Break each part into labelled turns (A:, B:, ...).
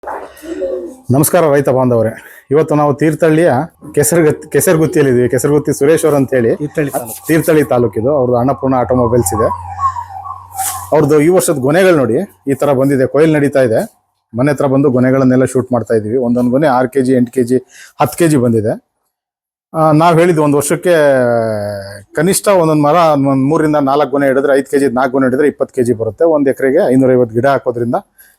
A: ನಮಸ್ಕಾರ ರೈತ ಬಾಂಧವರೇ. ಇವತ್ತು ನಾವು ತೀರ್ಥಹಳ್ಳಿಯ ಕೆಸರಗುತ್ತಿಯಲ್ಲಿದ್ದೀವಿ. ಕೆಸರಗುತ್ತಿ ಸುರೇಶ್ ಅವರು ಅಂತ ಹೇಳಿ, ತೀರ್ಥಹಳ್ಳಿ ತಾಲೂಕಿದು. ಅವ್ರದ್ದು ಅನ್ನಪೂರ್ಣ ಆಟೋಮೊಬೈಲ್ಸ್ ಇದೆ. ಅವ್ರದ್ದು ಈ ವರ್ಷದ ಗೊನೆಗಳು ನೋಡಿ ಈ ತರ ಬಂದಿದೆ. ಕೊಯ್ಲು ನಡೀತಾ ಇದೆ. ಮನೆ ಹತ್ರ ಬಂದು ಗೊನೆಗಳನ್ನೆಲ್ಲ ಶೂಟ್ ಮಾಡ್ತಾ ಇದೀವಿ. ಒಂದೊಂದು ಗೊನೆ 6 kg 8 kg 10 kg ಬಂದಿದೆ. ನಾವು ಹೇಳಿದ್ವಿ ಒಂದು ವರ್ಷಕ್ಕೆ ಕನಿಷ್ಠ ಒಂದೊಂದು ಮರ 3 ರಿಂದ 4 ಗೊನೆ ಹಿಡಿದ್ರೆ 5 kg 4 ಗೊನೆ ಹಿಡಿದ್ರೆ 20 kg ಬರುತ್ತೆ. ಒಂದು ಎಕರೆಗೆ 550 ಗಿಡ ಹಾಕೋದ್ರಿಂದ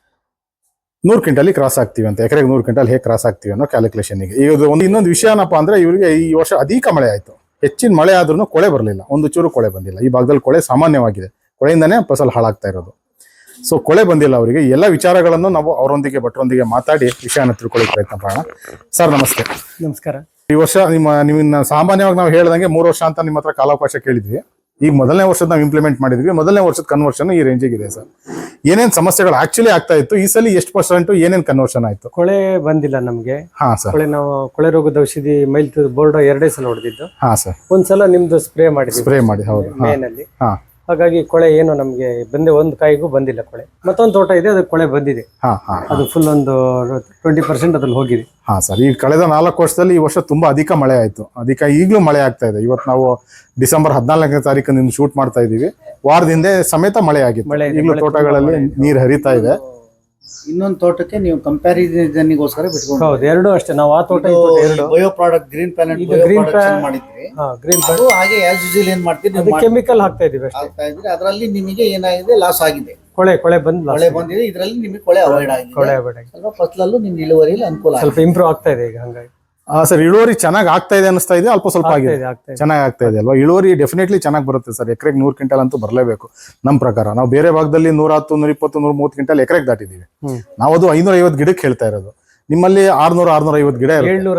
A: 100 ಕ್ವಿಂಟಲ್ ಕ್ರಾಸ್ ಆಗ್ತೀವಿ ಅಂತ. ಎಕರೆಗೆ 100 ಕ್ವಿಂಟಲ್ ಹೇಗೆ ಕ್ರಾಸ್ ಆಗ್ತೀವಿ ಅನ್ನೋ ಕ್ಯಾಲ್ಕುಲೇಷನ್ಗೆ. ಈಗ ಇನ್ನೊಂದು ವಿಷಯ ಏನಪ್ಪ ಅಂದ್ರೆ, ಇವರಿಗೆ ಈ ವರ್ಷ ಅಧಿಕ ಮಳೆ ಆಯಿತು. ಹೆಚ್ಚಿನ ಮಳೆ ಆದ್ರೂ ಕೊಳೆ ಬರಲಿಲ್ಲ, ಒಂದು ಚೂರು ಕೊಳೆ ಬಂದಿಲ್ಲ. ಈ ಭಾಗದಲ್ಲಿ ಕೊಳೆ ಸಾಮಾನ್ಯವಾಗಿದೆ. ಕೊಳೆಯಿಂದನೇ ಫಸಲು ಹಾಳಾಗ್ತಾ ಇರೋದು. ಸೊ ಕೊಳೆ ಬಂದಿಲ್ಲ ಅವರಿಗೆ. ಎಲ್ಲ ವಿಚಾರಗಳನ್ನು ನಾವು ಅವರೊಂದಿಗೆ ಭಟ್ರೊಂದಿಗೆ ಮಾತಾಡಿ ವಿಷಯನ ತಿಳ್ಕೊಳ್ಳೋಕೆ ಪ್ರಯತ್ನ ಮಾಡೋಣ. ಸರ್ ನಮಸ್ತೆ.
B: ನಮಸ್ಕಾರ.
A: ಈ ವರ್ಷ ನಿಮ್ಮನ್ನ ಸಾಮಾನ್ಯವಾಗಿ ನಾವು ಹೇಳ್ದಂಗೆ 3 ವರ್ಷ ಅಂತ ನಿಮ್ಮ ಹತ್ರ ಕಾಲಾವಕಾಶ ಕೇಳಿದ್ವಿ. ಈಗ ಮೊದಲನೇ ವರ್ಷದ ನಾವು ಇಂಪ್ಲಿಮೆಂಟ್ ಮಾಡಿದ್ವಿ. ಮೊದಲನೇ ವರ್ಷದ ಕನ್ವರ್ಷನ್ ಈ ರೇಂಜಿಗೆ ಇದೆ ಸರ್. ಏನೇನ್ ಸಮಸ್ಯೆಗಳು ಆಕ್ಚುಲಿ ಆಗ್ತಾ ಇತ್ತು, ಈ ಸಲ ಎಷ್ಟು % ಏನೇನ್ ಕನ್ವರ್ಷನ್ ಆಯ್ತು?
B: ಕೊಳೆ ಬಂದಿಲ್ಲ ನಮ್ಗೆ.
A: ಹಾ ಸರ್.
B: ನಾವು ಕೊಳೆ ರೋಗದ ಔಷಧಿ ಮೈಲ್ ಬೋರ್ಡ್ 2 ಸಲ ಹೊಡೆದಿದ್ದು.
A: ಹಾ ಸರ್.
B: ಒಂದ್ಸಲ ನಿಮ್ದು ಸ್ಪ್ರೇ ಮಾಡಿ ಹೌದು ಮೇನಲ್ಲಿ. ಹಾಗಾಗಿ ಕೊಳೆ ಏನು ನಮ್ಗೆ ಒಂದು ಕಾಯಿಗೂ ಬಂದಿಲ್ಲ ಕೊಳೆ. ಮತ್ತೊಂದು ತೋಟ ಇದೆ, ಅದಕ್ಕೆ ಕೊಳೆ ಬಂದಿದೆ. ಅದು ಫುಲ್ ಒಂದು 20% ಅದ್ರಲ್ಲಿ ಹೋಗಿದೆ.
A: ಹಾ ಸರ್. ಈ ಕಳೆದ 4 ವರ್ಷದಲ್ಲಿ ಈ ವರ್ಷ ತುಂಬಾ ಅಧಿಕ ಮಳೆ ಆಯ್ತು. ಈಗಲೂ ಮಳೆ ಆಗ್ತಾ ಇದೆ. ಇವತ್ತು ನಾವು ಡಿಸೆಂಬರ್ 14ನೇ ತಾರೀಕು ನಿಮ್ಗೆ ಶೂಟ್ ಮಾಡ್ತಾ ಇದೀವಿ. ವಾರದಿಂದ ಸಮೇತ ಮಳೆ ಆಗಿತ್ತು. ಈಗಲೂ ತೋಟಗಳಲ್ಲಿ ನೀರು ಹರಿತಾ ಇದೆ.
C: ಇನ್ನೊಂದು ತೋಟಕ್ಕೆ ನೀವು ಕಂಪ್ಯಾರಿಸನ್ಗೋಸ್ಕರ ಬಿಟ್ಕೊಂಡು
B: ಹೌದು, ಎರಡು ಅಷ್ಟೇ. ನಾವು ಆ ತೋಟ
C: ಬಯೋ ಪ್ರಾಡಕ್ಟ್ ಗ್ರೀನ್ ಪ್ಲಾನೆಟ್ ಮಾಡಿದ್ವಿ.
B: ಗ್ರೀನ್
C: ಹಾಗೆ ಆಸ್ ಯೂಶುವಲ್ ಏನ್ ಮಾಡ್ತೀವಿ,
B: ಕೆಮಿಕಲ್ ಹಾಕ್ತಾ ಇದೀವಿ.
C: ಅದರಲ್ಲಿ ನಿಮಗೆ ಏನಾಗಿದೆ, ಲಾಸ್ ಆಗಿದೆ.
B: ಕೊಳೆ
C: ಬಂದಿದೆ. ಇದರಲ್ಲಿ ನಿಮಗೆ ಕೊಳೆ ಅವಾಯ್ಡ್ ಆಗಿದೆ. ಸ್ವಲ್ಪ ಫಸಲಲ್ಲೂ ನಿಮ್ಗೆ ಇಳುವರಿಯಲ್ಲಿ ಅನುಕೂಲ,
B: ಸ್ವಲ್ಪ ಇಂಪ್ರೂವ್ ಆಗ್ತಾ ಇದೆ ಈಗ. ಹಂಗಾಗಿ
A: ಸರ್ ಇಳುವರಿ ಚೆನ್ನಾಗಿ ಆಗ್ತಾ ಇದೆ ಅನಿಸ್ತಾ ಇದೆ. ಅಲ್ಪ ಸ್ವಲ್ಪ ಆಗಿದೆ, ಚೆನ್ನಾಗಿ ಆಗ್ತಾ ಇದೆ ಅಲ್ವಾ? ಇಳುವರಿ ಡೆಫಿನೆಟ್ಲಿ ಚೆನ್ನಾಗಿ ಬರುತ್ತೆ ಸರ್. ಎಕರೆಗೆ 100 ಕ್ವಿಂಟಲ್ ಅಂತೂ ಬರಲೇಬೇಕು ನಮ್ಮ ಪ್ರಕಾರ. ನಾವು ಬೇರೆ ಭಾಗದಲ್ಲಿ 110 120 130 ಕ್ವಿಂಟಲ್ ಎಕರೆಗೆ ದಾಟಿದೀವಿ. ನಾವು ಅದು 550 ಗಿಡಕ್ಕೆ ಹೇಳ್ತಾ ಇರೋದು. ನಿಮ್ಮಲ್ಲಿ 600 650 ಗಿಡ,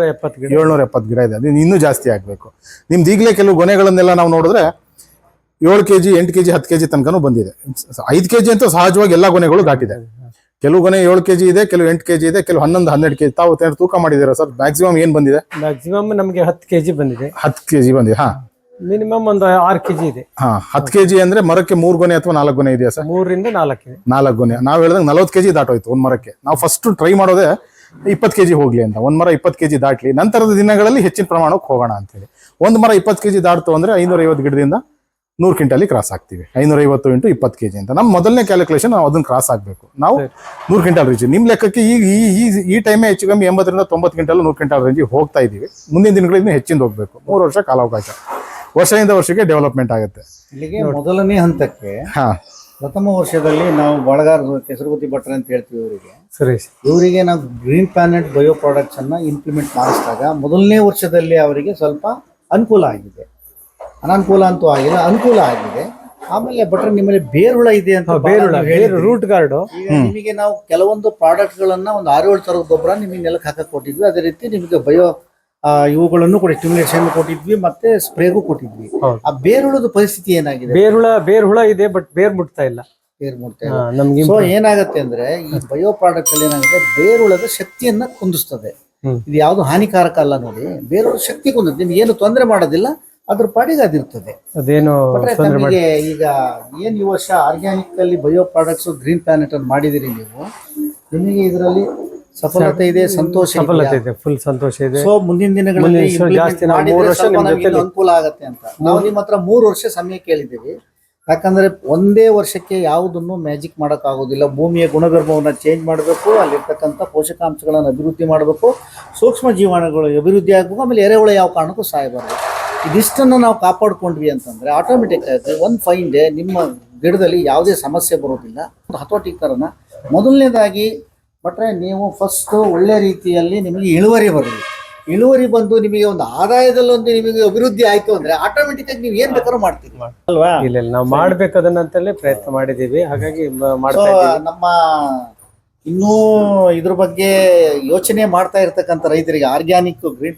A: 770 ಗಿಡ ಇದೆ. ಅದು ಇನ್ನೂ ಜಾಸ್ತಿ ಆಗ್ಬೇಕು. ನಿಮ್ದು ಈಗಲೇ ಕೆಲವು ಗೊನೆಗಳನ್ನೆಲ್ಲ ನಾವು ನೋಡಿದ್ರೆ 7 kg 8 kg 10 kg ತನಕನೂ ಬಂದಿದೆ. 5 kg ಅಂತೂ ಸಹಜವಾಗಿ ಎಲ್ಲಾ ಗೊನೆಗಳು ದಾಟಿದೆ. ಕೆಲವು ಗೊನೆ 7 kg ಇದೆ, ಕೆಲವು 8 kg ಇದೆ, ಕೆಲವು 11 12 kg. ತಾವು ತೂಕ ಮಾಡಿದ್ದೀರಾ ಸರ್? ಮ್ಯಾಕ್ಸಿಮಮ್ ಏನ್ ಬಂದಿದೆ?
B: ಮ್ಯಾಕ್ಸಿಮಮ್ ನಮಗೆ 10 kg ಬಂದಿದೆ.
A: 10 kg ಬಂದಿದೆ.
B: ಮಿನಿಮಮ್ ಒಂದು 6 kg ಇದೆ.
A: 10 kg ಅಂದ್ರೆ ಮರಕ್ಕೆ 3 ಗೊನೆ ಅಥವಾ 4 ಗೊನೆ ಇದೆಯಾ ಸರ್?
B: 3 ರಿಂದ 4 ಇದೆ.
A: 4 ಗೊನೆ. ನಾವು ಹೇಳಿದಂಗೆ 40 kg ದಾಟೋಯ್ತು ಒಂದ್ ಮರಕ್ಕೆ. ನಾವು ಫಸ್ಟ್ ಟ್ರೈ ಮಾಡೋದೇ 20 kg ಹೋಗ್ಲಿ ಅಂತ. ಒಂದ್ ಮರ 20 kg ದಾಟ್ಲಿ, ನಂತರದ ದಿನಗಳಲ್ಲಿ ಹೆಚ್ಚಿನ ಪ್ರಮಾಣಕ್ಕೆ ಹೋಗೋಣ ಅಂತೇಳಿ. ಒಂದ್ ಮರ 20 kg ದಾಟ್ತು ಅಂದ್ರೆ 550 ಗಿಡದಿಂದ 100 ಕ್ವಿಂಟಲ್ ಕ್ರಾಸ್ ಆಗ್ತೀವಿ. 550 × 20 kg ಅಂತ ನಮ್ಮ ಮೊದಲನೇ ಕ್ಯಾಲ್ಕುಲೇಷನ್. ನಾವು ಅದನ್ನ ಕ್ರಾಸ್ ಆಗ್ಬೇಕು. ನಾವು 100 ಕ್ವಿಂಟಲ್ ರೀಚ್. ನಿಮ್ ಲೆಕ್ಕಕ್ಕೆ ಈ ಟೈಮೇ ಹೆಚ್ಚು ಕಮ್ಮಿ 80 ರಿಂದ 90 ಕ್ವಿಂಟಲ್ 100 ಕ್ವಿಂಟಲ್ ರೇಂಜಿಗೆ ಹೋಗ್ತಾ ಇದೀವಿ. ಮುಂದಿನ ದಿನಗಳಿಂದ ಹೆಚ್ಚಿಂದ ಹೋಗ್ಬೇಕು. 3 ವರ್ಷ ಕಾಲಾವಕಾಶ. ವರ್ಷದಿಂದ ವರ್ಷಕ್ಕೆ ಡೆವಲಪ್ಮೆಂಟ್ ಆಗುತ್ತೆ.
C: ಇಲ್ಲಿಗೆ ಮೊದಲನೇ ಹಂತಕ್ಕೆ ಪ್ರಥಮ ವರ್ಷದಲ್ಲಿ ನಾವು ಬಳಗಾರ ಕೆಸರಗುತ್ತಿ ಭಟ್ರ ಅಂತ ಹೇಳ್ತೀವಿ ಇವರಿಗೆ ನಾವು ಗ್ರೀನ್ ಪ್ಲಾನೆಟ್ ಬಯೋ ಪ್ರಾಡಕ್ಟ್ಸ್ ಅನ್ನ ಇಂಪ್ಲಿಮೆಂಟ್ ಮಾಡಿಸಿದಾಗ ಮೊದಲನೇ ವರ್ಷದಲ್ಲಿ ಅವರಿಗೆ ಸ್ವಲ್ಪ ಅನುಕೂಲ ಆಗಿದೆ. ಅನಾನುಕೂಲ ಅಂತೂ ಆಗಿಲ್ಲ, ಅನುಕೂಲ ಆಗಿದೆ. ಆಮೇಲೆ ಭಟ್ರ ನಿಮ್ಮಲ್ಲಿ ಬೇರುಳ ಇದೆ ಅಂತ,
B: ರೂಟ್ ಗಾರ್ಡ್.
C: ನಿಮಗೆ ನಾವು ಕೆಲವೊಂದು ಪ್ರಾಡಕ್ಟ್ ಗಳನ್ನ ಒಂದು 6-7 ತರದ ಗೊಬ್ಬರ ನಿಮಗೆ ನೆಲಕ್ಕೆ ಹಾಕಕ್ ಕೊಟ್ಟಿದ್ವಿ. ಅದೇ ರೀತಿ ನಿಮಗೆ ಬಯೋ ಇವುಗಳನ್ನು ಕೂಡ ಸ್ಟಿಮ್ಯುಲೇಷನ್ ಕೊಟ್ಟಿದ್ವಿ, ಮತ್ತೆ ಸ್ಪ್ರೇಗೂ ಕೊಟ್ಟಿದ್ವಿ. ಆ ಬೇರುಳದ ಪರಿಸ್ಥಿತಿ ಏನಾಗಿದೆ?
B: ಬೇರುಳ ಇದೆ, ಬಟ್ ಬೇರ್ ಮುಟ್ತಾ ಇಲ್ಲ.
C: ಸೊ ಏನಾಗುತ್ತೆ ಅಂದ್ರೆ, ಈ ಬಯೋ ಪ್ರಾಡಕ್ಟ್ ಅಲ್ಲಿ ಏನಾಗುತ್ತೆ, ಬೇರುಳದ ಶಕ್ತಿಯನ್ನ ಕುಂದಿಸ್ತದೆ. ಇದು ಯಾವ್ದು ಹಾನಿಕಾರಕ ಅಲ್ಲ ನೋಡಿ. ಬೇರುಳ ಶಕ್ತಿ ಕುಂದಿಸ್ತದೆ, ನಿಮ್ಗೆ ಏನು ತೊಂದರೆ ಮಾಡೋದಿಲ್ಲ, ಅದ್ರ ಪಾಡಿಗೆ ಅದಿರ್ತದೆ.
B: ಅದೇನು
C: ನಮಗೆ ಈಗ ಏನ್ ಈ ವರ್ಷ ಆರ್ಗ್ಯಾನಿಕ್ ಅಲ್ಲಿ ಬಯೋ ಪ್ರಾಡಕ್ಟ್ಸ್ ಗ್ರೀನ್ ಪ್ಲಾನೆಟ್ ಅನ್ನು ಮಾಡಿದಿರಿ ನೀವು, ನಿಮಗೆ ಇದರಲ್ಲಿ ಸಫಲತೆ ಇದೆ, ಸಂತೋಷ
B: ಇದೆ, ಫುಲ್ ಸಂತೋಷ ಇದೆ.
C: ಸೊ ಮುಂದಿನ ದಿನಗಳಲ್ಲಿ ಅನುಕೂಲ ಆಗತ್ತೆ ಅಂತ ನಾವು ನಿಮ್ಮ ಹತ್ರ 3 ವರ್ಷ ಸಮಯ ಕೇಳಿದ್ದೀವಿ. ಯಾಕಂದ್ರೆ ಒಂದೇ ವರ್ಷಕ್ಕೆ ಯಾವುದನ್ನು ಮ್ಯಾಜಿಕ್ ಮಾಡಕ್ ಆಗೋದಿಲ್ಲ. ಭೂಮಿಯ ಗುಣಧರ್ಮವನ್ನ ಚೇಂಜ್ ಮಾಡಬೇಕು, ಅಲ್ಲಿರ್ತಕ್ಕಂಥ ಪೋಷಕಾಂಶಗಳನ್ನು ಅಭಿವೃದ್ಧಿ ಮಾಡಬೇಕು, ಸೂಕ್ಷ್ಮ ಜೀವಾಣುಗಳು ಅಭಿವೃದ್ಧಿ ಆಗಬೇಕು, ಆಮೇಲೆ ಎರೆಹುಳ ಯಾವ ಕಾರಣಕ್ಕೂ ಸಾಯಬಾರದು. ಇದಿಷ್ಟನ್ನು ನಾವು ಕಾಪಾಡ್ಕೊಂಡ್ವಿ ಅಂತಂದ್ರೆ ಆಟೋಮೆಟಿಕ್ ಆಗಿ ಒಂದು ಫೈನ್ ಡೇ ನಿಮ್ಮ ಗಿಡದಲ್ಲಿ ಯಾವುದೇ ಸಮಸ್ಯೆ ಬರೋದಿಲ್ಲ. ಹತೋಟಿಕರಣ ಮೊದಲನೇದಾಗಿ ಬಟ್ರೆ ನೀವು ಫಸ್ಟ್ ಒಳ್ಳೆ ರೀತಿಯಲ್ಲಿ ನಿಮಗೆ ಇಳುವರಿ ಬಂದು ನಿಮಗೆ ಒಂದು ಆದಾಯದಲ್ಲೊಂದು ನಿಮಗೆ ಅಭಿವೃದ್ಧಿ ಆಯ್ತು ಅಂದ್ರೆ ಆಟೋಮೆಟಿಕ್ ಆಗಿ ನೀವು ಏನ್ ಬೇಕಾದ್ರೂ ಮಾಡ್ತೀವಿ
B: ಅಲ್ವಾ? ಇಲ್ಲ, ನಾವು ಮಾಡ್ಬೇಕದನ್ನಂತಲೇ ಪ್ರಯತ್ನ ಮಾಡಿದೀವಿ. ಹಾಗಾಗಿ
C: ನಮ್ಮ ಇನ್ನೂ ಇದ್ರ ಬಗ್ಗೆ ಯೋಚನೆ ಮಾಡ್ತಾ ಇರ್ತಕ್ಕಂಥ ರೈತರಿಗೆ ಆರ್ಗ್ಯಾನಿಕ್ ಗ್ರೀನ್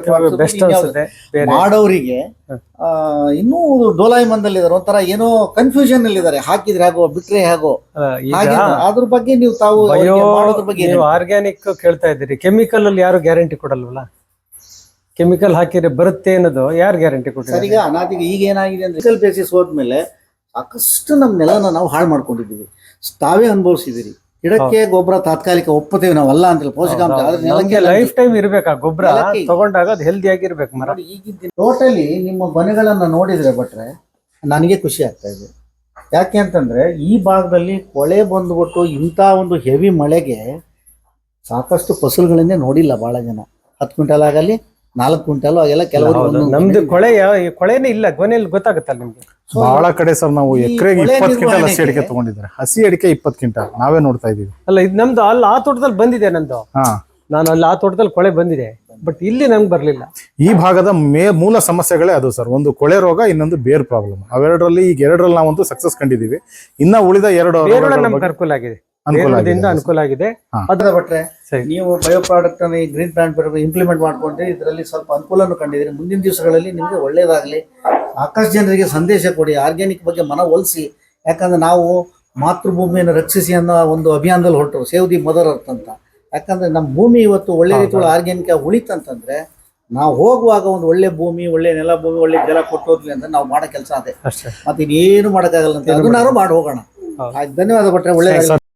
C: ಪ್ಲಾನೆಟ್ ಮಾಡೋರಿಗೆ ಇನ್ನೂ ಡೋಲಾಯಿಮಂದಲ್ಲಿದ್ದಾರೆ, ಒಂಥರ ಏನೋ ಕನ್ಫ್ಯೂಷನ್ ಅಲ್ಲಿ ಇದ್ದಾರೆ. ಹಾಕಿದ್ರೆ ಹೇಗೋ, ಬಿಟ್ರೆ ಹೇಗೋ, ಅದ್ರ ಬಗ್ಗೆ ನೀವು ತಾವು
B: ಆರ್ಗ್ಯಾನಿಕ್ ಕೇಳ್ತಾ ಇದ್ದೀರಿ. ಕೆಮಿಕಲ್ ಅಲ್ಲಿ ಯಾರು ಗ್ಯಾರಂಟಿ ಕೊಡಲ್ವಲ್ಲ? ಕೆಮಿಕಲ್ ಹಾಕಿದ್ರೆ ಬರುತ್ತೆ ಅನ್ನೋದು ಯಾರು ಗ್ಯಾರಂಟಿ ಕೊಡ್ತಾರೆ?
C: ಈಗ ಅನಾದಿಗೆ ಈಗ ಏನಾಗಿದೆ ಅಂದ್ರೆ ಬೇಸಿಸ್ ಹೋದ್ಮೇಲೆ ಸಾಕಷ್ಟು ನಮ್ಮ ನೆಲನ ನಾವು ಹಾಳು ಮಾಡ್ಕೊಂಡಿದ್ದೀವಿ. ತಾವೇ ಅನುಭವಿಸಿದಿರಿ, ಗಿಡಕ್ಕೆ ಗೊಬ್ಬರ ತಾತ್ಕಾಲಿಕ ಒಪ್ಪುತ್ತೇವೆ ನಾವಲ್ಲ ಅಂತಿಲ್ಲ, ಪೋಷಕಾಂಶ ಆದ್ರೆ
B: ನಮ್ಗೆ
C: ನೆಲಕ್ಕೆ
B: ಲೈಫ್ ಟೈಮ್ ಇರ್ಬೇಕು ಆ ಗೊಬ್ಬರ
C: ನೆಲಕ್ಕೆ
B: ತಗೊಂಡಾಗ ಅದು ಹೆಲ್ದಿ ಆಗಿರ್ಬೇಕು ಮರ.
C: ನೋಡಿ ಈಗಿದ್ದ ಟೋಟಲಿ ನಿಮ್ಮ ಮನೆಗಳನ್ನ ನೋಡಿದ್ರೆ ಭಟ್ರೆ ನನಗೆ ಖುಷಿ ಆಗ್ತಾ ಇದೆ. ಯಾಕೆ ಅಂತಂದ್ರೆ ಈ ಭಾಗದಲ್ಲಿ ಕೊಳೆ ಬಂದ್ಬಿಟ್ಟು ಇಂಥ ಒಂದು ಹೆವಿ ಮಳೆಗೆ ಸಾಕಷ್ಟು ಫಸಲುಗಳನ್ನೇ ನೋಡಿಲ್ಲ ಬಹಳ ಜನ. 10 ಕ್ವಿಂಟಲ್ ಆಗಲಿ 4 ಕ್ವಿಂಟಲ್ ಆಗೆಲ್ಲ ಕೆಲವರು
B: ನಮ್ದು ಕೊಳೆನೇ ಇಲ್ಲ, ಕೊನೆಯಲ್ಲಿ ಗೊತ್ತಾಗುತ್ತಲ್ಲ ನಿಮ್ಗೆ.
A: ಬಹಳ ಕಡೆ ಸರ್ ನಾವು
C: ಈ
A: ಎಕರೆಗೆ
C: ಕೊಳೆ
A: 20 ಕ್ವಿಂಟಲ್ ಹಸಿ
C: ನಿರ್ವಹಣೆಗೆ
A: ಅಡಿಕೆ ತಗೊಂಡಿದ್ದಾರೆ. ಹಸಿ ಅಡಿಕೆ 20 ಕ್ವಿಂಟಲ್ ನಾವೇ ನೋಡ್ತಾ ಇದೀವಿ.
B: ಅಲ್ಲ ಇದು ನಮ್ದು ಅಲ್ಲಿ ಆ ತೋಟದಲ್ಲಿ ಬಂದಿದೆ ನಂದು,
A: ಹಾ,
B: ನಾನು ಅಲ್ಲಿ ಆ ತೋಟದಲ್ಲಿ ಕೊಳೆ ಬಂದಿದೆ, ಬಟ್ ಇಲ್ಲಿ ನಮ್ಗೆ ಬರ್ಲಿಲ್ಲ.
A: ಈ ಭಾಗದ ಮೂಲ ಸಮಸ್ಯೆಗಳೇ ಅದು ಸರ್. ಒಂದು ಕೊಳೆ ರೋಗ, ಇನ್ನೊಂದು ಬೇರ್ ಪ್ರಾಬ್ಲಮ್. ಅವೆರಡರಲ್ಲಿ ಈಗ 2ರಲ್ಲಿ ನಾವಂತೂ ಸಕ್ಸಸ್ ಕಂಡಿದೀವಿ. ಇನ್ನ ಉಳಿದ 2
B: ಬೇರೊಳಗೆ ನಮ್ಗೆ ಅನುಕೂಲ ಆಗಿದೆ, ಬೇರೊಳದಿಂದ ಅನುಕೂಲ ಆಗಿದೆ.
C: ಅದ್ರ ಭಟ್ರೆ
B: ಸರಿ.
C: ನೀವು ಬಯೋ ಪ್ರಾಡಕ್ಟ್ ಅನ್ನು ಈ ಗ್ರೀನ್ ಪ್ಲಾಂಟ್ ಇಂಪ್ಲಿಮೆಂಟ್ ಮಾಡ್ಕೊಂಡ್ರೆ ಇದರಲ್ಲಿ ಸ್ವಲ್ಪ ಅನುಕೂಲನೂ ಕಂಡಿದ್ದೀರಿ. ಮುಂದಿನ ದಿವಸಗಳಲ್ಲಿ ನಿಮಗೆ ಒಳ್ಳೇದಾಗಲಿ. ಸಾಕಷ್ಟು ಜನರಿಗೆ ಸಂದೇಶ ಕೊಡಿ, ಆರ್ಗ್ಯಾನಿಕ್ ಬಗ್ಗೆ ಮನವೊಲಿಸಿ. ಯಾಕಂದ್ರೆ ನಾವು ಮಾತೃಭೂಮಿಯನ್ನು ರಕ್ಷಿಸಿ ಅನ್ನೋ ಒಂದು ಅಭಿಯಾನದಲ್ಲಿ ಹೊರಟರು, ಸೇವ್ ದಿ ಮದರ್ ಅರ್ತ್ ಅಂತ. ಯಾಕಂದ್ರೆ ನಮ್ಮ ಭೂಮಿ ಇವತ್ತು ಒಳ್ಳೆ ರೀತಿಯಲ್ಲಿ ಆರ್ಗ್ಯಾನಿಕ್ ಆಗಿ ಉಳಿತಂತಂದ್ರೆ ನಾವು ಹೋಗುವಾಗ ಒಂದು ಒಳ್ಳೆ ಭೂಮಿ, ಒಳ್ಳೆ ನೆಲ ಭೂಮಿ, ಒಳ್ಳೆ ಜಲ ಕೊಟ್ಟೋದ್ವಿ ಅಂದ್ರೆ ನಾವು ಮಾಡೋ ಕೆಲಸ ಅದೇ.
B: ಅಷ್ಟೇ.
C: ಮತ್ತೆ ಇನ್ನೇನು ಮಾಡೋಕ್ಕಾಗಲ್ಲ ಅಂತ ಅದನ್ನಾರು ಮಾಡಿ ಹೋಗೋಣ. ಆಯ್ತು, ಧನ್ಯವಾದ ಭಟ್ರೆ, ಒಳ್ಳೆ